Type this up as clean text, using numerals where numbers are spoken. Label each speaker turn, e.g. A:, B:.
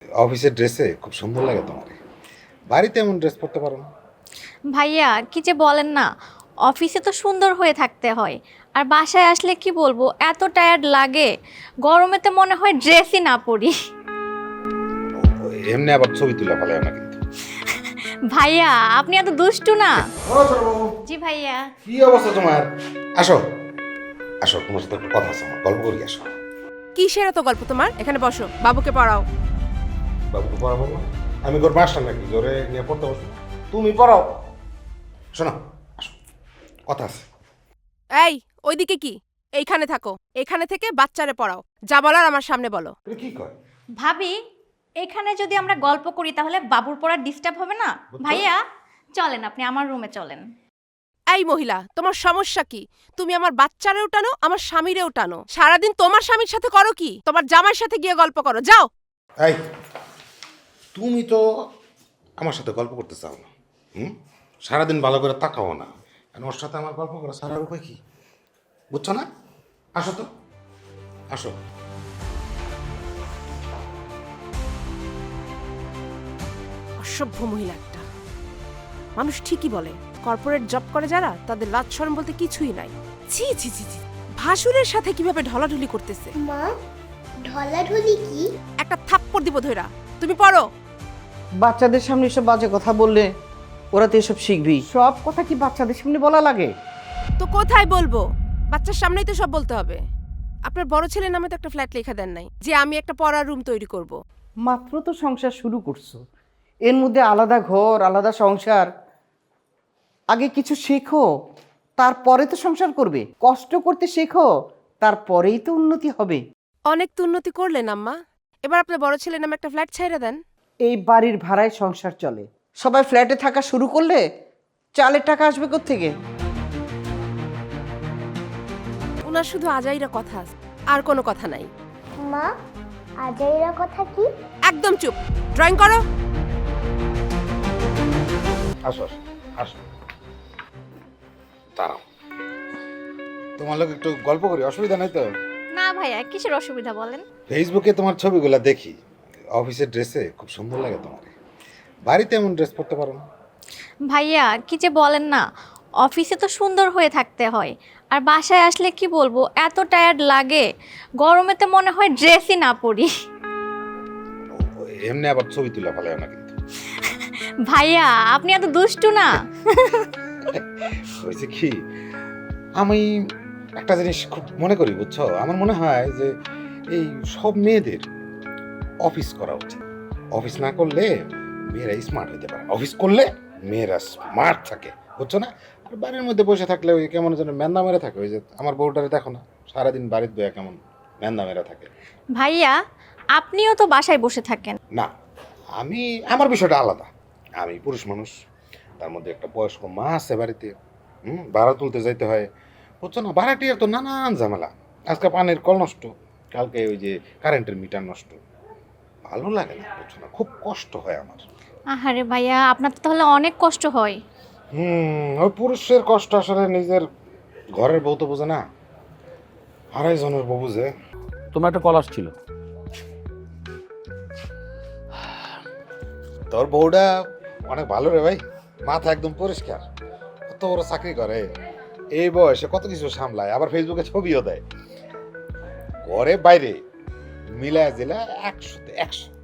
A: অফিসের ড্রেসে খুব সুন্দর লাগে তোমার। বাড়িতে এমন ড্রেস পরতে পারো না?
B: ভাইয়া কি যে বলেন না, অফিসে তো সুন্দর হয়ে থাকতে হয়, আর বাসায় আসলে কি বলবো, এত টায়ার্ড লাগে, গরমেতে মনে হয় ড্রেসই না পরি।
A: এমনি আবার ছবি তুলে ভালো না কিন্তু।
B: ভাইয়া আপনি এত দুষ্টু না। জি ভাইয়া।
A: কি অবস্থা তোমার? আসো আসো, তোমার সাথে একটা কথা আছে, আমার গল্প করি, আসো।
C: কিসের এত গল্প তোমার? এখানে বসো, বাবুকে পড়াও।
A: বাবুকে পড়াবো না? আমি তোর মাস্টার নাকি জোরে নিয়ে পড়তে বসো? তুমি পড়াও। শোনো, আসো, কথা আছে।
C: এই ওইদিকে কি? এইখানে থাকো, এখানে থেকে বাচ্চারে পড়াও, যা বলার আমার সামনে বলো।
A: এটা কি কয়?
B: ভাবি, এখানে যদি আমরা গল্প করি তাহলে বাবুর পড়ার ডিস্টার্ব হবে না?
A: বুঝছো?
B: ভাইয়া চলেন, আপনি আমার রুমে চলেন।
C: এই মহিলা, তোমার সমস্যা কি? তুমি আমার বাচ্চারেও টানো, আমার স্বামীরেও টানো। সারাদিন তোমার স্বামীর সাথে করো কি? তোমার জামাইয়ের সাথে গিয়ে গল্প করো, যাও।
A: এই, তুমি তো আমার সাথে গল্প করতে চাও না। সারাদিন ভালো করে তাকাও না, আর ওর সাথে আমার গল্প করা সারার উপায় কি? বুঝছো না? আসো তো, আসো।
C: অসভ্য মহিলা একটা। মানুষ ঠিকই বলে, কর্পোরেট জব করে যারা, তাদের লাজ শরম বলতে কিছুই নাই। ছি ছি ছি ছি, ভাসুরের সাথে কিভাবে ঢলাঢলি করতেছে।
D: মা, ঢলাঢলি কি?
C: একটা থাপ্পড় দিব ধইরা। তুমি পড়ো।
E: বাচ্চাদের সামনে এসব বাজে কথা বললে ওরা তো এসব শিখবি। সব কথা কি বাচ্চাদের সামনে বলা লাগে?
C: তো কোথায় বলবো? বাচ্চার সামনেই তো সব বলতে হবে। আপনার বড় ছেলের নামে তো একটা ফ্ল্যাট লেখা দেন নাই যে আমি একটা পড়ার রুম তৈরি করব।
E: মাত্র তো সংসার শুরু করছো, এর মধ্যে আলাদা ঘর আলাদা সংসার। আগে কিছু শেখো, তারপরে তো সংসার করবে। কষ্ট করতে শেখো, তারপরেই তো উন্নতি হবে।
C: অনেক তো উন্নতি করলেন আম্মা, এবার আপনার বড় ছেলের নামে একটা ফ্ল্যাট ছেড়ে দেন।
E: এই বাড়ির ভাড়ায় সংসার চলে, সবাই ফ্ল্যাটে থাকা শুরু করলে চালের টাকা আসবে কোত্থেকে?
C: ওনার শুধু আজাইরা কথা আছে, আর কোনো কথা নাই।
D: মা, আজাইরা কথা কি?
C: একদম চুপ, ড্রয়িং করো।
A: আসো আসো আসো, দাঁড়াও, তোমার লোক একটু গল্প করি, অসুবিধা নাই তো?
B: না ভাইয়া, কিসের অসুবিধা বলেন।
A: ফেসবুকে তোমার ছবিগুলো দেখি, অফিসের ড্রেসে খুব সুন্দর লাগে তোমার। বাড়িতে এমন ড্রেস পরতে পারো না?
B: ভাইয়া কি যে বলেন না, অফিসে তো সুন্দর হয়ে থাকতে হয়, আর বাসায় আসলে কি বলবো, এত টায়ার্ড লাগে, গরমেতে মনে হয় ড্রেসই না পরি।
A: এমনি আবার ছবি তুলে ভালো না কিন্তু।
B: ভাইয়া আপনি এত দুষ্টু না।
A: হয়েছে কি, আমি একটা জিনিস খুব মনে করি, বুঝছো? আমার মনে হয় যে এই সব মেয়েদের অফিস করা উচিত। অফিস না করলে মেয়েরা স্মার্ট হতে পারে, অফিস করলে মেয়েরা স্মার্ট থাকে, বুঝছো না? আর বাড়ির মধ্যে বসে থাকলে ওই কেমন যেন ম্যান্দা মেরে থাকে। ওই যে আমার বউটারে দেখো না, সারাদিন বাড়ির বয়া কেমন ম্যান্দা মেরে থাকে।
B: ভাইয়া আপনিও তো বাসায় বসে থাকেন।
A: না, আমি, আমার বিষয়টা আলাদা। আমি পুরুষ মানুষ, তার মধ্যে একটা বয়স্ক মা আছে বাড়িতে, ভাড়া তুলতে যাইতে হয়, বুঝছো না? ভাড়াটিয়ার তো নানান ঝামেলা। আজকে পানির কল নষ্ট, কালকে ওই যে কারেন্টের মিটার নষ্ট। ভালো লাগে না, বুঝছো না? খুব কষ্ট হয় আমার।
B: আহারে ভাইয়া, আপনার তো তাহলে অনেক কষ্ট হয়।
A: ওই পুরুষের কষ্ট আসলে নিজের ঘরের বউ তো বোঝে না, আড়াই জনের বউ বুঝে।
F: তোমার একটা কল আসছিল।
A: তোর বউটা অনেক ভালো রে ভাই, মাথা একদম পরিষ্কার, কত বড় চাকরি করে, এই বয়সে কত কিছু সামলায়, আবার ফেসবুকে ছবিও দেয়। ঘরে বাইরে মিলায় জিলা 100-তে 100।